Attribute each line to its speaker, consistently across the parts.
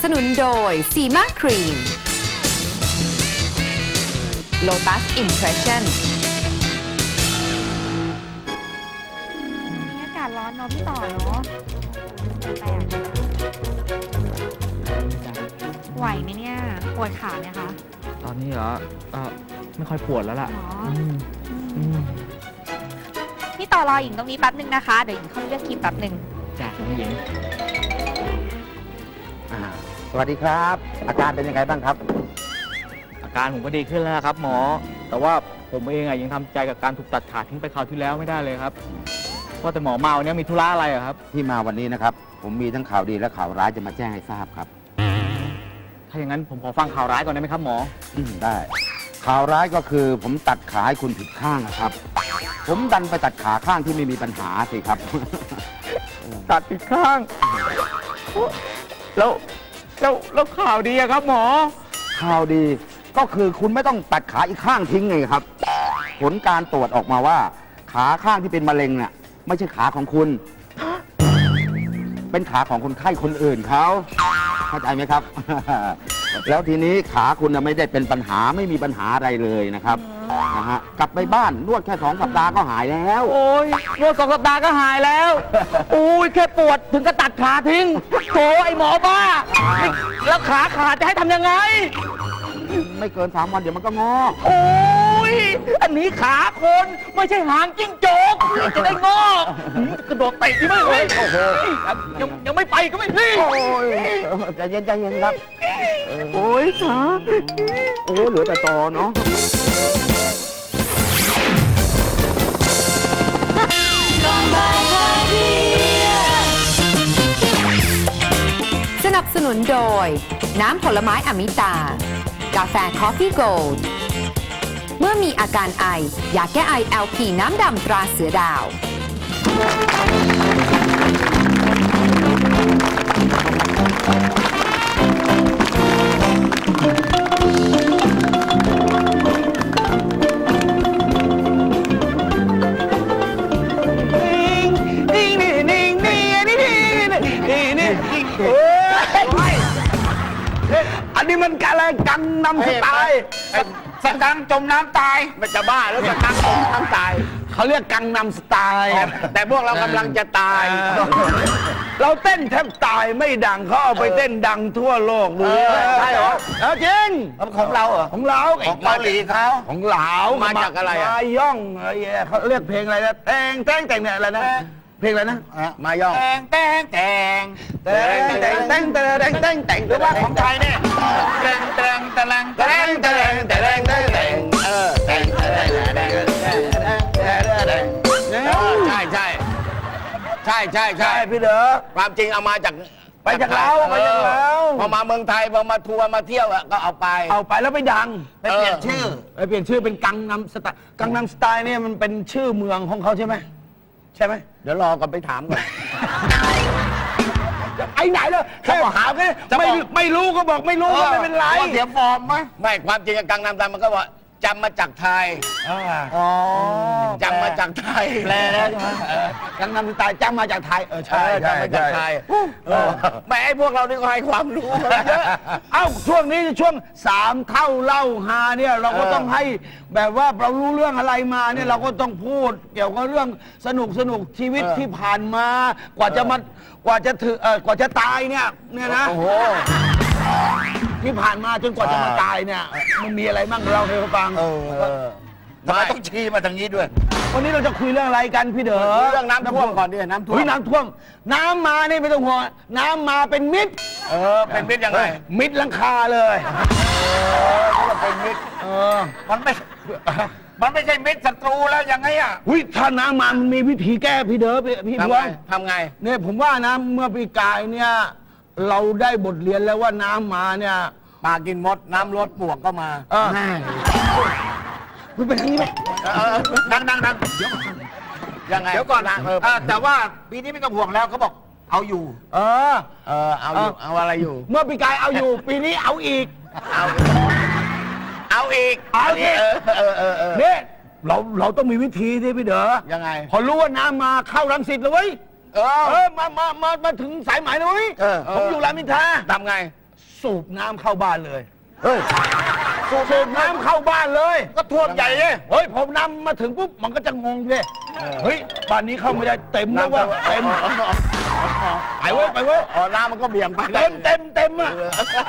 Speaker 1: นุนโดยซีมาครีม Lotus Impression
Speaker 2: อากาศร้อนเนาะพี่ต่อเนาะแปลกไหวไหมเนี่ยปวดขาไหมคะ
Speaker 3: ตอนนี้เหรอไม่ค่อยปวดแล้วล่ะ
Speaker 2: หรอ
Speaker 3: อืม
Speaker 2: พี่ต่อรอหญิงตรงนี้แป๊บนึงนะคะ เดี๋ยวหญิงเข้าเลือกครีมแป๊บนึง
Speaker 3: จ้ะน้องหญิง
Speaker 4: สวัสดีครับ อาการเป็นยังไงบ้างครับ
Speaker 3: อาการผมก็ดีขึ้นแล้วครับหมอ แต่ว่าผมเองอะยังทำใจกับการถูกตัดขาทิ้งไปคราวที่แล้วไม่ได้เลยครับเพราะแต่หมอมาวันนี้มีธุระอะไรอะครับ
Speaker 4: ที่มาวันนี้นะครับ ผมมีทั้งข่าวดีและข่าวร้ายจะมาแจ้งให้ทราบครับ
Speaker 3: ถ้าอย่างนั้นผมขอฟังข่าวร้ายก่อนได้ไหมครับหมอ
Speaker 4: ได้ ข่าวร้ายก็คือผมตัดขาให้คุณผิดข้างนะครับ ผมดันไปตัดขาข้างที่ไม่มีปัญหาสิครับ
Speaker 3: ตัดอีกข้าง แล้วข่าวดีอะครับหมอ
Speaker 4: ข่าวดีก็คือคุณไม่ต้องตัดขาอีกข้างทิ้งไงครับ ผลการตรวจออกมาว่า ขาข้างที่เป็นมะเร็งเนี่ยไม่ใช่ขาของคุณ เป็นขาของคนไข้คนอื่นเขาเข้าใจไหมครับ แล้วทีนี้ขาคุณน่ะไม่ได้เป็นปัญหาไม่มีปัญหาอะไรเลยนะครับนะฮะกลับไปบ้านนวดแค่2 สัปดาห์ก็หายแล้ว
Speaker 3: โอ้ยนวด2 สัปดาห์ก็หายแล้วอุ้ยแค่ปวดถึงก็ตัดขาทิ้งโถไอหมอบ้าแล้วขาขาดจะให้ทำยังไง
Speaker 4: ไม่เกิน3 วันเดี๋ยวมันก็งอก
Speaker 3: โอ้ย อันนี้ขาคนไม่ใช่หางจิ้งจกจะได้งอกกระโดดเตะที่ไม่เลยโอ้โหยังไม่ไปก็ไม่พี่
Speaker 4: โอ้ยใจเย็นใจเย็นครับ
Speaker 3: โอ้ยขา
Speaker 4: โอ้เหลือแต่ตอเนาะ
Speaker 1: สนับสนุนโดย น้ำผลไม้อมิตา กาแฟคอฟฟี่โกลด์เมื่อมีอาการไอยาแก้ไอ LP น้ำดำตราเสือดาว
Speaker 4: อันนี้มันอะไรกังนำสไตล์
Speaker 5: สกังจมน้ำตายมันจะบ้าแล้วสกังจมน้ำตาย
Speaker 4: เขาเรียกกังนำสไตล์
Speaker 5: แต่พวกเรากำลังจะตาย
Speaker 4: เราเต้นแทบตายไม่ดังเขาเอาไปเต้นดังทั่วโลกดูใช่เหรอเอาจริง
Speaker 5: ของเราเหรอ
Speaker 4: ของเรา
Speaker 5: ของเกาหลีเขา
Speaker 4: ของเหลา
Speaker 5: มาจากอะไรอะ
Speaker 4: มาย่องอะไรเขาเรียกเพลงอะไรนะแต่งเนี่ยอะไรนะเพลงอะไรนะมาย่อง
Speaker 5: แตง
Speaker 4: แต่งหรือว่าของไทยเนี่ย
Speaker 5: แตงแตงแตงแตงแตงแตงแตงแตงแตงใช่ใช่ใช่ใช่ใช่
Speaker 4: พี่เด้อ
Speaker 5: ความจริงเอามาจาก
Speaker 4: ไปจากเราไปจากเรา
Speaker 5: พอมาเมืองไทยพอมาทัวร์มาเที่ยวก็เอาไป
Speaker 4: เอาไปแล้วไปดัง
Speaker 5: ไปเปลี่ยนชื่อ
Speaker 4: ไปเปลี่ยนชื่อเป็นกังนำสไตล์กังนำสไตล์เนี่ยมันเป็นชื่อเมืองของเขาใช่ไหมใช่ไหม
Speaker 5: เดี๋ยวรอก่อนไปถามก่อน
Speaker 4: ไอ้ไหนเลยแค่หาแค่ไม่รู้ก็บอกไม่รู้ก็ไม่เป็นไร
Speaker 5: ว่าเสียฟอร์มไหมไม่ความจริงกังนำตามมันก็ว่าจำมาจากไทย
Speaker 4: อ๋อ
Speaker 5: จำมาจากไทย
Speaker 4: แปลแล้วใช่ไหมกังนำสไตล์จำมาจากไทยใช่
Speaker 5: จำมาจากไทยแม่ไอ้พวกเรานี่ก็ให้ความรู้เยอะ
Speaker 4: เอ้าช่วงนี้ช่วง3 เท่าเล่าฮาเนี่ยเราก็ต้องให้แบบว่าเรารู้เรื่องอะไรมาเนี่ยเราก็ต้องพูดเกี่ยวกับเรื่องสนุกชีวิตที่ผ่านมากว่าจะตายเนี่ยนะ
Speaker 5: โอ้โห
Speaker 4: ที่ผ่านมาจนกว่าจะมาตายเนี่ยมันมีอะไรบ้างเราให้เขาฟัง
Speaker 5: ทำไมต้องชี้มาทางนี้ด้วย
Speaker 4: วันนี้เราจะคุยเรื่องอะไรกันพี่เด๋อ
Speaker 5: เรื่องน้ำท่วมก่อนดิน้ำท่วม
Speaker 4: น้ำท่วมน้ำมานี่ไม่ต้องห่วงน้ำมาเป็นมิตร
Speaker 5: เป็นมิตรยังไง
Speaker 4: มิดหลังคาเลย
Speaker 5: เป็นมิตรมันไม่ใช่มิตรศัตรูแล้วยังไงอ่ะ
Speaker 4: วิถ้าน้ำมามันมีวิธีแก้พี่เด๋อพี่
Speaker 5: ทำ
Speaker 4: พว
Speaker 5: ไง
Speaker 4: ง
Speaker 5: ทำไง
Speaker 4: เนี่ยผมว่านะเมื่อปีกายเนี่ยเราได้บทเรียนแล้วว่าน้ำมาเนี่ย
Speaker 5: ปลากินมดน้ำลดปวกก็มา
Speaker 4: คุณเป็นอย่างนี้ไหม
Speaker 5: ดังยังไง
Speaker 6: เดี๋ยวก่อนนะแต่ว่าปีนี้ไม่ต้องห่วงแล้วเขาบอกเอาอยู่
Speaker 5: เอาอยู่เอาอะไรอยู่
Speaker 4: เมื่อปีกายเอาอยู่ ปีนี้เอาอีก
Speaker 5: เอาอีก
Speaker 4: เนี่ยเราต้องมีวิธีที่พี่เด๋อ
Speaker 5: ยังไง
Speaker 4: พอรู้ว่าน้ำมาเข้ารังสิตเลยเว้ยมาถึงสายไหมเลย
Speaker 5: เออ
Speaker 4: ผมอยู่รามอินทรา
Speaker 5: ทำไง
Speaker 4: สูบน้ำเข้าบ้านเลย
Speaker 6: เฮ้ย
Speaker 4: สูบน้ำเข้าบ้านเลย
Speaker 6: ก็ท่วมใหญ่เลย
Speaker 4: เฮ้ยผมน้ำมาถึงปุ๊บมันก็จะงงเลยเฮ้ยบ้านนี้เข้าไม่ได้เต็มแล้วว่าเต็มไปเว้ยไปเว้ย
Speaker 6: อ๋อน้ำมันก็เบี่ยงไป
Speaker 4: เต็มอ่ะ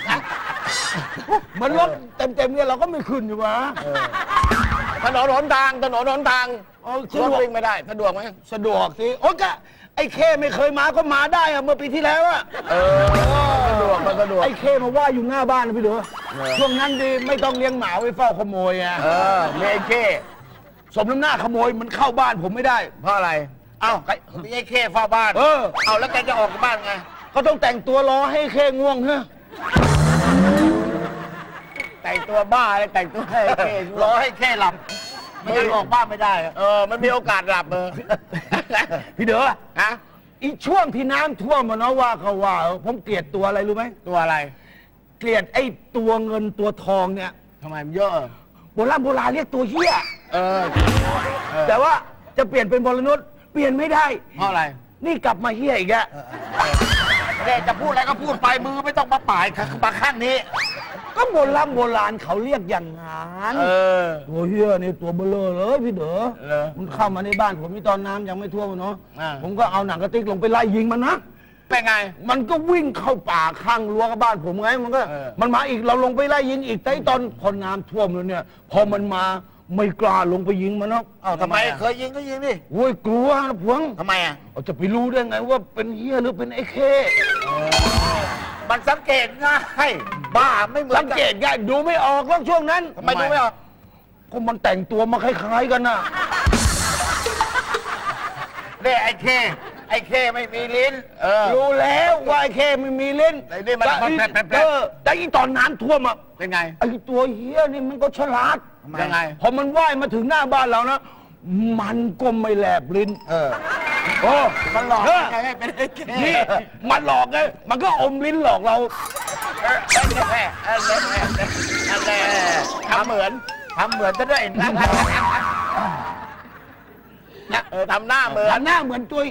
Speaker 4: มันรถเต็มเนี่ยเราก็ไม่ขึ้นอยู่วะ
Speaker 6: ถนนหนทางรถวิ่งไม่ได้สะดวกไหม
Speaker 4: สะดวกสิโอ้ก็ไอ้เคไม่เคยมาก็มาได้อะเมื่อปีที่แล้วอะ
Speaker 6: สะดวกมันสะดวก
Speaker 4: ไอ้เคมาว่าอยู่หน้าบ้านนะพี่ดูช่วงนั้นดีไม่ต้องเลี้ยงหมาไว้เฝ้าขโมยอะ
Speaker 6: มีไอ้เข้
Speaker 4: สมน้ำหน้าขโมยมันเข้าบ้านผมไม่ได้
Speaker 6: เพราะอะไรเอ้ามีไอ้เข้เฝ้าบ้าน เอาแล้วแกจะออกจากบ้านไง
Speaker 4: ก็ต้องแต่งตัวรอให้เคง่วงเฮ้ย
Speaker 6: แต่งตัวบ้าเลยแต่งตัวให้เข้รอให้เข้หลับไม่งั้นออกบ้านไม่ได้มันมีโอกาสหลับ
Speaker 4: พี่เด้อ
Speaker 6: ฮะ
Speaker 4: อีช่วงที่น้ำท่วมมันเนาะว่าเขาว่าผมเกลียดตัวอะไรรู้ไหม
Speaker 6: ตัวอะไร
Speaker 4: เกลียดไอ้ตัวเงินตัวทองเนี่ย
Speaker 6: ทำไมมันเยอะ
Speaker 4: โบราณเรียกตัวเหี้ย
Speaker 6: เออ
Speaker 4: แต่ว่าจะเปลี่ยนเป็นบรนุษเปลี่ยนไม่ได้
Speaker 6: เพราะอะไร
Speaker 4: นี่กลับมาเหี้ยอีกแล้ว
Speaker 6: เด็กจะพูดอะไรก็พูดไปมือไม่ต้องมาป่ายมาข้างนี้
Speaker 4: ก็โบราณเขาเรียกอย่างนั้นตัวเหี้ยนี่ตัวเบลอเลยพี่เด๋อมันเข้ามาในบ้านผมนี่ตอนน้ำยังไม่ท่วมเนาะผมก็เอาหนังกระติกลงไปไล่ยิงมันนะ
Speaker 6: เป็นไง
Speaker 4: มันก็วิ่งเข้าป่าข้างรั้วกับบ้านผมไงมันก็มันมาอีกเราลงไปไล่ยิงอีกแต่ตอนพอน้ำท่วมแล้วเนี่ย พอมันมาไม่กล้าลงไปยิงมันเนาะ
Speaker 6: ทำไมเคยยิงก็ยิงดิ
Speaker 4: โว้ยกลัวนะพวง
Speaker 6: ทำไมอ่ะ
Speaker 4: จะไปรู้ได้ไงว่าเป็นเหี้ยหรือเป็นไอ้เค
Speaker 6: มันสังเกตง่ายบ้าไม่เหมือน
Speaker 4: สังเกตง่ายดูไม่ออกแล้วช่วงนั้น
Speaker 6: ทำไมดูไม่ออก
Speaker 4: ก็มันแต่งตัวมาคล้ายๆกันน่ะ
Speaker 6: เนี่ยไอ้เคไม่มีลิ้น
Speaker 4: รู้แล้วว่าไอ้เคไม่มีเล่น
Speaker 6: ไอ้นี่มัน
Speaker 4: แต่อีตอนน้ำท่วมอ่ะ
Speaker 6: เป็นไง
Speaker 4: ไอ้ตัวเหี้ยนี่มันก็ฉลาด
Speaker 6: ยังไง
Speaker 4: พอมันว่ายมาถึงหน้าบ้านเรานะมันก็ไม่แลบลิ้นโอ้
Speaker 6: มันหลอก
Speaker 4: เออ
Speaker 6: ไงให้เป็นไอ้เค
Speaker 4: นี่มันหลอกไงมันก็อมลิ้นหลอกเรา
Speaker 6: ทำเหมือนจะได้ทำหน้าเหมือน
Speaker 4: หน้าเหมือนตัว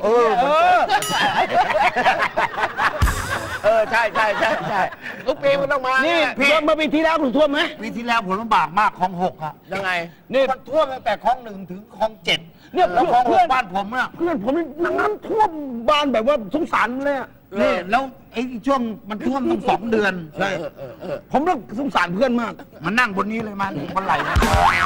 Speaker 6: ใช่ทุกปีมันต้องมา
Speaker 4: นี่
Speaker 6: พี่
Speaker 4: เมื่อปีที่แล้วคุณท่วมไหม
Speaker 6: ปีที่แล้วผมลำบากมากคลอง6อ่ะยังไง
Speaker 4: นี่
Speaker 6: มันท่วมตั้งแต่คลอง1ถึงคลอง7
Speaker 4: เนี่ย
Speaker 6: แล้วคลอง
Speaker 4: เพื่อน
Speaker 6: 6บ้านผมอ่ะ
Speaker 4: เพื่อนผมน้ำท่วมบ้านแบบว่าสงสารเลยอะ
Speaker 6: นี่แล้วไอ้ช่วงมันท่วมตั้ง2 เดือน
Speaker 4: ใช่ผมต้องสงสารเพื่อนมาก
Speaker 6: มันนั่งบนนี้เลยมันบนไหล่นะ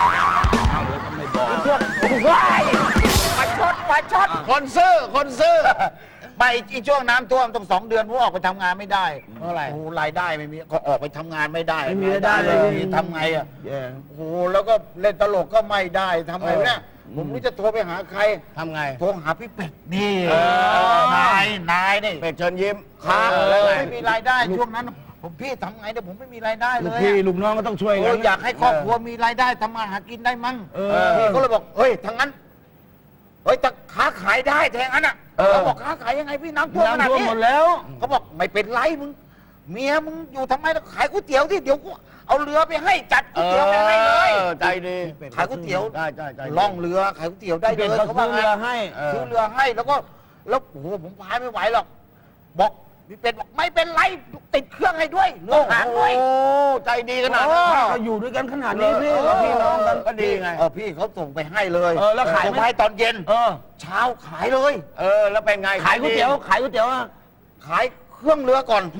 Speaker 4: เพื่อนโอ้โห
Speaker 6: มาช็อตคนซื้อไปอีช่วงน้ำท่วมต้อง2 เดือนผมออกไปทำงานไม่ได้เพราะอะไรโอ้รายได้ไม่มีก็ออกไปทำงานไม่ได้
Speaker 4: ไม่มีรายได้เลย
Speaker 6: ทำไงอ่ะโอ้โหแล้วก็เล่นตลกก็ไม่ได้ทำไงเนี่ยผมไม่รู้จะโทรไปหาใครทำไงโทรหาพี่เป็ดนี่นายนี่เป็ดเชิญยิ้มครับไม่มีรายได้ช่วงนั้นผมพี่ทำไงเนี่ยผมไม่มีรายได้เลย
Speaker 4: พี่ลูกน้องก็ต้องช่วยกัน
Speaker 6: อยากให้ครอบครัวมีรายได้ทำมาหากินได้มั้งพี่ก็เลยบอกเฮ้ยทั้งนั้นเฮ้ยแต่ค้าขายได้แทงั้นอ่ะเขาบอกค้าขายยังไงพี่น้ำท่วมขนาด
Speaker 4: น้ำท่วม
Speaker 6: นี้
Speaker 4: หมดแล้ว
Speaker 6: เขาบอกไม่เป็นไรมึงเมียมึงอยู่ทำไมแล้วขายก๋วยเตี๋ยวที่เดี๋ยวกูเอาเรือไปให้จัดก๋วยเตี๋ยวไปให้เลยใจดีขายก๋วยเตี๋ยวได้ล่องเรือขายก๋วยเตี๋ยวได้เลย
Speaker 4: เขาซื้อเรือให้
Speaker 6: ซื้อเรือให้แล้วโอ้โหผมพายไม่ไหวหรอกบอกพี่เป็ดบอกไม่เป็นไรติดเครื่องให้ด้วยเรือหางด้วยใจดีขนาดนั้น
Speaker 4: ก็อยู่ด้วยกันขนาดนี้พี่พี่น้องกัน
Speaker 6: ก็ดีไงพี่เขาส่งไปให้เลย
Speaker 4: แล้วขาย
Speaker 6: ส่งไปให้ตอนเย็น เช้าขายเลยแล้วเป็นไง
Speaker 4: ขายก๋วยเตี๋ยวอะ
Speaker 6: ขายเครื่องเรือก่อน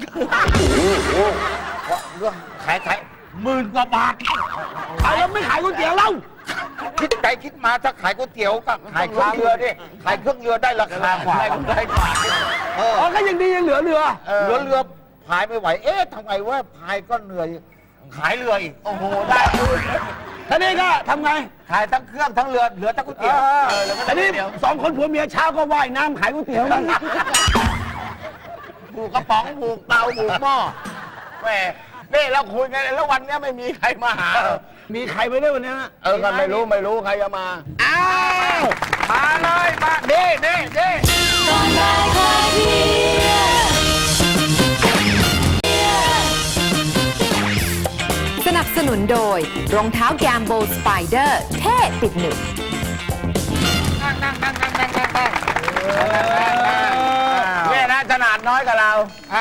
Speaker 6: เรือขาย10,000 กว่าบาท
Speaker 4: ขายแล้วไม่ขายก๋วยเตี๋ยวแล้ว
Speaker 6: คิดไปคิดมาถ้าขายก๋วยเตี๋ยวกับขายเครื่องเรือดิขายเครื่องเรือได้ราคากว่าได้กว่า
Speaker 4: ก็ยังดียังเหลือเรือ
Speaker 6: เรือพายไม่ไหวทำไงว่าพายก็เหนื่อยขายเรืออีกโอ้โหได้
Speaker 4: ท่านี้ก็ทำไง
Speaker 6: ขายทั้งเครื่องทั้งเรือเหลือแต่ก๋วยเตี๋ยวแล้วก็
Speaker 4: อันนี้
Speaker 6: เดี๋ยว
Speaker 4: 2 คนผัวเมียเช้าก็ว่ายน้ำขายก๋วยเตี๋ยวกัน
Speaker 6: ผูกกระป๋องผูกเตาผูกหม้อแหมนี่เราคุยกันแล้ววันนี้ไม่มีใครมาหา
Speaker 4: มีใครไปได้วันนี้นะ
Speaker 6: กันไม่รู้ใครจะมาอ้าวมาเลยมาเด้
Speaker 1: สนับสนุนโดยรองเท้าแกมโบสไปเดอร์เท่ติดหนึบ
Speaker 6: นั่งเนี่ยนะขนาดน้อยกับเรา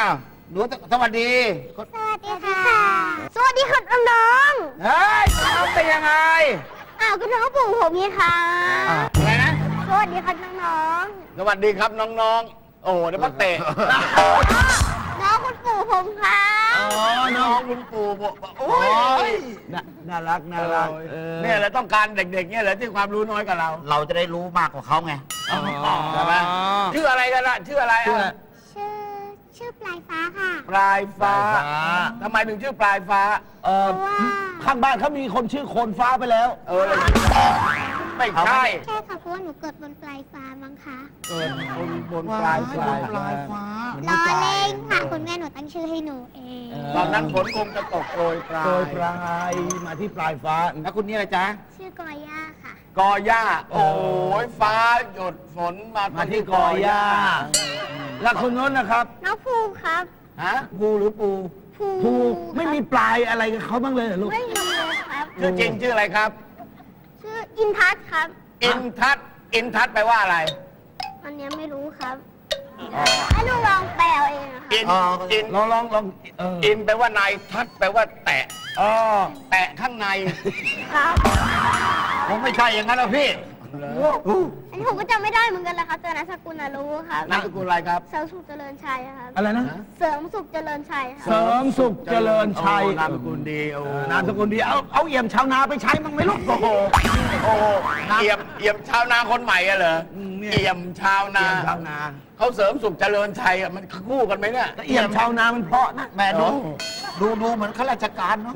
Speaker 6: หนูสวัสดี
Speaker 7: สวัสดีค่ะ สวัสดีค่ะน้อง
Speaker 6: เฮ้ยเอาเป็นยังไง
Speaker 7: ๆอ้าวก็น้องปู่ผมนี่ค่ะ
Speaker 6: อะไรนะ
Speaker 7: สวัสดีค่ะน้อง
Speaker 6: สวัสดีครับน้องๆ โอ้โหเดี๋ยวมาเตะ
Speaker 7: ๆน้องคุณปู่ผมค่ะ
Speaker 6: อ๋อ น้องคุณปู่บอกโอ้ย
Speaker 4: น่ารักน่ารัก
Speaker 6: เนี่ยแหละต้องการเด็กๆเนี่ยแหละที่ความรู้น้อยกว่าเรา เราจะได้รู้มากกว่าเขาไงใช่ไหมชื่ออะไรกันล่ะชื่ออะไร
Speaker 4: ชื่อ
Speaker 6: อ่ะ
Speaker 7: ชื่อปลายฟ้าค่ะ
Speaker 6: ปลายฟ้า
Speaker 4: ปลายฟ้า
Speaker 6: ทำไมถึงชื่อปลายฟ้า
Speaker 7: เพราะว่า
Speaker 4: ข้างบ้านเขามีคนชื่อโคนฟ้าไปแล้ว
Speaker 6: เลยไม่ใช่
Speaker 7: ใช่ค่ะเพราะว่าหนูเกิดบนปลายฟ้ามั้งคะ
Speaker 6: เกิดบนปลายฟ้า
Speaker 7: ล้อเล่นค่ะคุณแม่หนูตั้งชื่อให้หนูเอง
Speaker 6: ตอนนั้นฝนคงจะตกโปรยปลา
Speaker 4: โดย
Speaker 6: ย
Speaker 4: ปลายมาที่ปลายฟ้า
Speaker 6: แล้วคุณนี่อะไรจ๊ะ
Speaker 7: ชื่อกอย่าค่ะ
Speaker 6: กอหญ้า โอ้ยฟ้าหยดฝนมา
Speaker 4: มาที่กอหญ้า แล้วคนโน้นนะครับ
Speaker 7: น้องภูครับ
Speaker 6: ฮะภูหรือปู
Speaker 4: ภู ไม่มีปลายอะไรกับเขาบ้างเลยเหรอลูก
Speaker 7: ไม่มีเลยครับ
Speaker 6: ชื่อจริงชื่ออะไรครับ
Speaker 7: ชื่ออินทัศน์ครับ
Speaker 6: อินทัศน์อินทัศน์แปลว่าอะไร
Speaker 7: อันเนี้ยไม่รู้ครับให้หนูลองแปลเอาเองอะค่ะ
Speaker 6: อินอิน
Speaker 4: ลอง
Speaker 6: อินแปลว่านายทัศน์แปลว่าแตะ
Speaker 4: อ๋อ
Speaker 6: แตะข้างใน
Speaker 7: ครับ
Speaker 6: ผมไม่ใช่อย่างนั้นหรอกพี่
Speaker 7: อันนี้ผมก็จำไม่ได้เหมือนกันแหละครับแต่นามสกุลน่ะรู้ครับ
Speaker 6: นามสกุลอะไรครับ
Speaker 7: เสริมสุขเจริญชัยครับ
Speaker 4: อะไรนะ
Speaker 7: เสริมสุขเจริญชัยค
Speaker 4: เส
Speaker 7: รับ
Speaker 4: ริมสุขเจริญชัย
Speaker 6: โอ้นามสกุลดีโอ้
Speaker 4: นามสกุลดี เอาเอี่ยมชาวนาไปใช้มั้งไหมลูก โอ้โห
Speaker 6: โอ้เอี่ยมชาวนาคนใหม่อะเหรอ
Speaker 4: เนี่ย
Speaker 6: เอี่ยมชาวนา
Speaker 4: เอี่ยมชาวนา
Speaker 6: เขาเสริมสุขเจริญชัยอะมันคู่กันไหมเนี่ย
Speaker 4: เอี่ยมชาวนามันเพราะนะ
Speaker 6: แม่ดูเหมือนข้าราชการเนาะ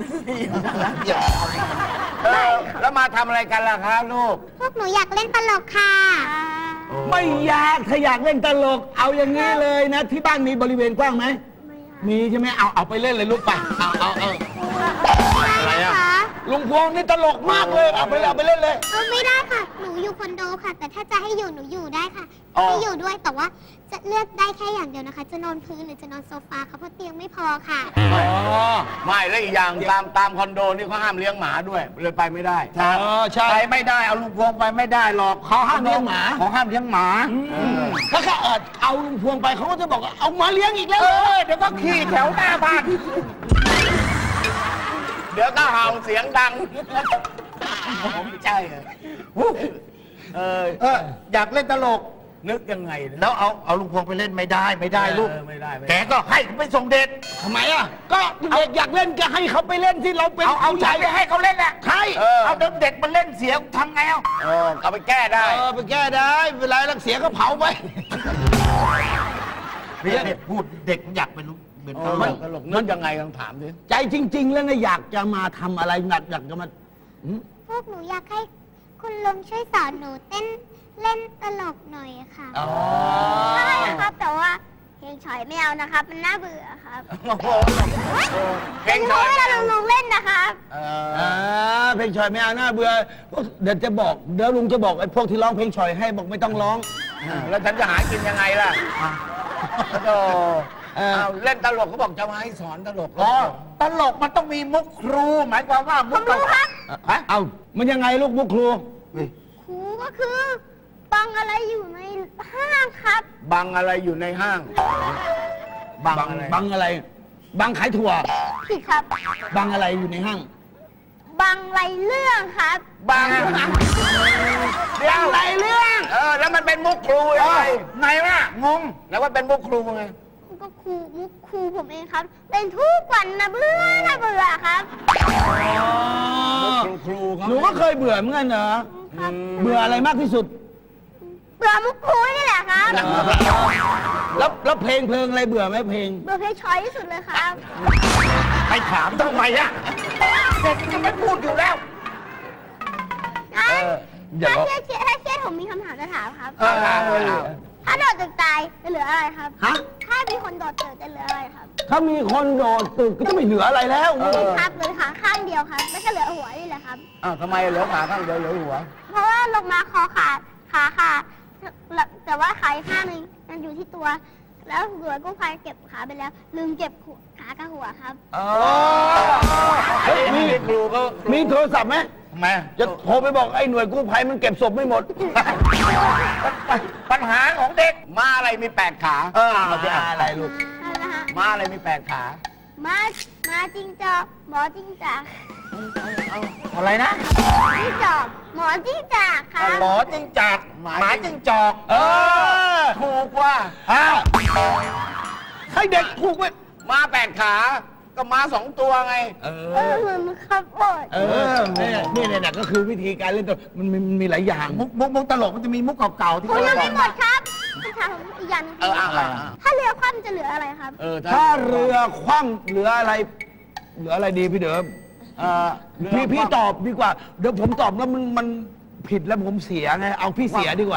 Speaker 6: แล้วมาทำอะไรกันล่ะครับลูก
Speaker 7: พวกหนูอยากเล่นตลกค่ะ
Speaker 4: ไม่อยากถ้าอยากเล่นตลก เอาอย่างนี้เลยนะ ที่บ้านมีบริเวณกว้างไหม
Speaker 7: ไม่ค่ะ
Speaker 4: มีใช่ไหมเอาไปเล่นเลยลูกไป
Speaker 6: อะไรอะ
Speaker 7: คะ
Speaker 4: ลุงพวงนี่ตลกมากเลย เอาไปเล่นเลย
Speaker 7: ไม่ได้ค่ะ หนูอยู่คอนโดค่ะ แต่ถ้าจะให้อยู่หนูอยู่ได้ค่ะให้อยู่ด้วยแต่ว่าจะเลือกได้แค่อย่างเดียวนะคะ จะนอนพื้นหรือจะนอนโซฟาค่ะเพราะเตียงไม่พอค่ะ
Speaker 4: อ๋อ
Speaker 6: ไม่แล้วอีกอย่างตามคอนโดนี่เขาห้ามเลี้ยงหมาด้วยเลยไปไม่ได้
Speaker 4: ใช่
Speaker 6: ไปไม่ได้เอาลูกพวงไปไม่ได้หรอก
Speaker 4: เขาห้ามเลี้ยงหมา
Speaker 6: เขาห้ามเลี้ยงหมา
Speaker 4: ถ้าเขาเอาลุงพวงไปเขาก็จะบอกว่าเอามาเลี้ยงอีกแล้ว
Speaker 6: เดี๋ยวก็ขี่แถวหน้าบ้านเดี๋ยวก็เห่าเสียงดังผมไม่ใช่อยากเล่นตลกนึกยังไงแล้วเอาลุงพวงไปเล่นไม่ได้ลูกไม่ได้แกก็ให้ไปส่งเด็ก
Speaker 4: ทำไมอ่ะ ก็เด็กอยากเล่นก็ให้เขาไปเล่นที่เราเป็น
Speaker 6: เอาใจไปให้เขาเล่นแหละ
Speaker 4: ใช่
Speaker 6: เอาเด็กมันเล่นเสียทำไงเอาไปแก้ได้
Speaker 4: ไปแก้ได้เวลารักเสียก็เผาไป
Speaker 6: พูดเด็กอยากเป็นเป็นตลกนึกยังไงลองถามดิ
Speaker 4: ใจจริง ๆ แล้วนะอยากจะมาทำอะไรอยากจะมา
Speaker 7: พวกหนูอยากให้คุณลุงช่วยสอนหนูเต้นเล่นตลกหน่อยค่ะใช่ครับแต่ว่าเพลงฉอยไม่เอานะครับ มันน่าเบื่อครับ
Speaker 6: เพลง
Speaker 7: ห
Speaker 6: ช
Speaker 7: นู
Speaker 6: อย
Speaker 7: เวลาลุงเล่นนะครับ
Speaker 4: เพลงชอยไม่เอาหน้าเบื่อเดี๋ยวลุงจะบอกไอ้พวกที่ร้องเพลงชอยให้บอกไม่ต้องร้อง
Speaker 6: แล้วฉันจะหากินยังไงล่ะเล่นตลกเขาบอกจะมาให้สอนตลกตลกมันต้องมีมุกครู หมายความว่ามุก
Speaker 7: ผมรู้ครับ
Speaker 4: เอามันยังไงลูกมุกครู
Speaker 7: ครูก็คือบังอะไรอยู่ในห้างครับ
Speaker 6: บังอะไรอยู่ในห้าง บังอะไร
Speaker 4: บังอะไร บังขายถั่ว
Speaker 7: ผิดครับ
Speaker 4: บังอะไรอยู่ในห้าง
Speaker 7: บังไรเรื่องครับ
Speaker 6: บังเดี๋ยวอะไรเรื่องแล้วมันเป็นมุกครูยังไงไงวะงงแล้วว่าเป็นมุกครูไง
Speaker 7: ก็ครูมุกครูผมเองครับเล่นทุกวันนะเบื่อนะเบื่อครับ
Speaker 6: ครูเขา
Speaker 4: หนูก็เคยเบื่อเหมือนกันเหรอ
Speaker 7: ครับ
Speaker 4: เบื่ออะไรมากที่สุด
Speaker 7: เบื่อมุกครูนี่แหละครับ
Speaker 4: แล้วเพลงอะไรเบื่อไหมเพลง
Speaker 7: เบื่อเพลงช้อยที่สุดเลยครับ
Speaker 6: ไปถามทำไมอะเด็กจะไม่พูดอยู่แล้ว
Speaker 4: อย่า
Speaker 7: ถ้า
Speaker 4: ร้อง
Speaker 7: เครียดผมมีคำถามจะถามครับ
Speaker 6: เอา
Speaker 7: ถ้าโดดตึกตายจะเหลืออะไรครับ
Speaker 4: ฮะ
Speaker 7: ถ้ามีคนโดดตึกจะเหลืออะไรครับ
Speaker 4: ถ้ามีคนโดดตึกก็จะไม่เหลืออะไรแล้ว
Speaker 7: ครับเหลือขาข้างเดียวครับไม่ใช่เหลือหัวนี่แหละครับ
Speaker 6: ทำไมเหลือขาข้างเดียวเหลือหัว
Speaker 7: เพราะว่าลงมาคอขาดขาขาดแต่ว่าขาอีกข้างหนึงมันอยู่ที่ตัว แล้วหน่วยกู้ภัยเก็บขาไปแล้ว ลืมเก็บขากับหัวครับ
Speaker 4: เฮ้ยมี
Speaker 6: ครูก็
Speaker 4: มีโทรศัพท์ไหม
Speaker 6: ทำไม
Speaker 4: จะโทรไปบอกไอ้หน่วยกู้ภัยมันเก็บศพไม่หมด
Speaker 6: ปัญหาของเด็กมาอะไรมี8 ขา
Speaker 4: เอาสิอะไรลูก
Speaker 7: นั่นนะฮะ
Speaker 6: ม้าอะไรมี8 ขา
Speaker 7: มาจริงจอกหมอจริงจอก
Speaker 6: อะไรนะ
Speaker 7: จิ้งจอกหมอจริงจอกค่ะ
Speaker 5: หมอจิ้งจอกหมาจิ้งจอก
Speaker 6: ถูกว่า
Speaker 4: ให้เด็กถูกไหม
Speaker 6: ม้า8 ขา ก็ม้า2 ตัวไง
Speaker 7: เหมือนครับบด
Speaker 4: เนี่ยก็คือวิธีการเล่นตัวมันมีหลายอย่าง
Speaker 5: มุกตลกมันจะมีมุกเก่าๆที่
Speaker 7: ผม
Speaker 5: เขา
Speaker 7: ยัง
Speaker 5: บ
Speaker 7: ไม่
Speaker 5: อก
Speaker 7: หมดครับคุณถามอีกอย่างหนึงถ้าเรือคว่ำจะเหลืออะไรครับ
Speaker 4: ถ้าเรือคว่ำเหลืออะไรดีพี่เดิมพี่ตอบดีกว่า เดี๋ยวผมตอบแล้วมันผิดแล้วผมเสียไง เอาพี่เสียดีกว่า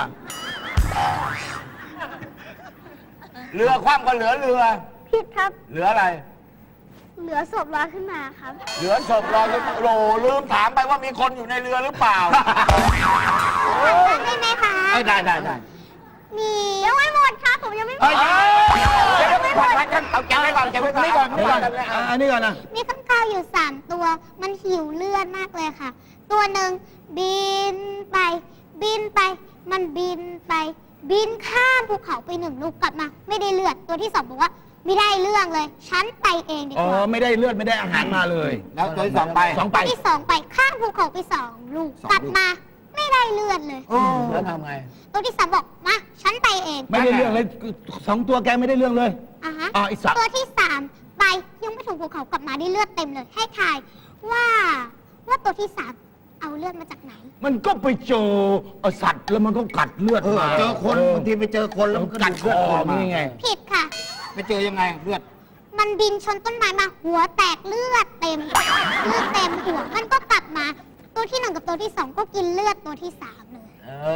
Speaker 6: เรือคว่ำก็เหลือเรือ
Speaker 7: ผิดครับ
Speaker 6: เหลืออะไร
Speaker 7: เหลือศพลอยขึ้นมาครับ
Speaker 6: เหลือศพลอยขึ้นมาโหลลืมถามไปว่ามีคนอยู่ในเรือหรือเปล่า
Speaker 7: ได้ไหมคะ
Speaker 6: ได้
Speaker 7: มียังไม่หมดครับผมยังไม่หมด
Speaker 6: เดี๋ยวไม่พอเอาแกะไว้ก่อนแกะไว้ก่อน
Speaker 4: อันนี้ก่อนนะ
Speaker 7: มีข้างคาวอยู่3 ตัว มันหิวเลือดมากเลยค่ะ ตัวหนึ่งบินไป มันบินไป บินข้ามภูเขาไป1 ลูกกลับมา ไม่ได้เลือด ตัวที่ 2บอกว่าไม่ได้เรื่องเลย ฉันไปเองดี
Speaker 4: อ๋
Speaker 7: ก
Speaker 4: อ
Speaker 7: ว่า
Speaker 4: ไม่ได้เลือดไม่ได้อาหารมาเลย
Speaker 6: แล้วตัวที่2ไป
Speaker 4: 2 ไป
Speaker 7: ตัวที่ 2 ไปข้ามภูเขาไป2 ลูกกลับมา ไม่ได้เลือดเลย
Speaker 6: แล้วทำไง
Speaker 7: ตัวที่ 3บอกมาฉันไปเอง
Speaker 4: ไม่ได้เรื่องเลย2 ตัวแกไม่ได้เรื่องเลย
Speaker 7: อ่ะฮะ
Speaker 4: อีก3
Speaker 7: ตัวที่ 3 ไปยังไม่ถึงภูเขากลับมาได้เลือดเต็มเลย ให้ทายว่าตัวที่ 3 เอาเลือดมาจากไหน
Speaker 4: มันก็ไปเจอสัตว์แล้วมันก็กัดเลือดมา
Speaker 5: เจอคนบางทีไปเจอคนแล้วมันก็
Speaker 4: กัด
Speaker 5: ดู
Speaker 4: ค
Speaker 5: เลือด
Speaker 4: อ
Speaker 5: ออกมา
Speaker 4: นี่ไง
Speaker 7: ผิดค่ะ
Speaker 5: ไปเจอยังไงเลือด
Speaker 7: มันบินชนต้นไม้มาหัวแตกเลือดเต็มเลือดเต็มหัวมันก็กลับมา ตัวที่ 1 กับตัวที่ 2 ก็กินเลือดตัวที่ 3 เลย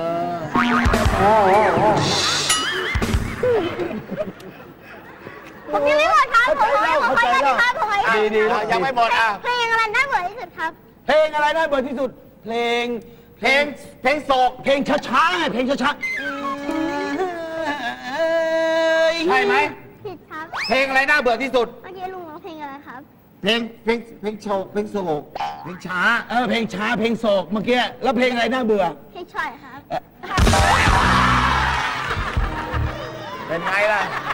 Speaker 7: ผมยังไม่หมดครับผมขออีกครับผมขออีก
Speaker 4: ดี
Speaker 6: ยังไม่หมดอ่ะ
Speaker 7: เพลงอะไรน่าเบื่อที่สุดครับ
Speaker 4: เพลงอะไรน่าเบื่อที่สุด เพลงโศกเพลงช้าๆไงเพลงช้าๆ
Speaker 6: ใช่ไหม
Speaker 7: ผิดครับ
Speaker 6: เพลงอะไรน่าเบื่อที่สุด
Speaker 7: เมื่อกี้ลุงร้องเพลงอะไรครับ
Speaker 5: เพลงโชว์เพลงโศกเพลงช้า
Speaker 4: เพลงช้าเพลงโศกเมื่อกี้แล้วเพลงอะไรน่าเบื่อ
Speaker 7: เพลงช่อยครับ
Speaker 6: เป็นไงล่ะ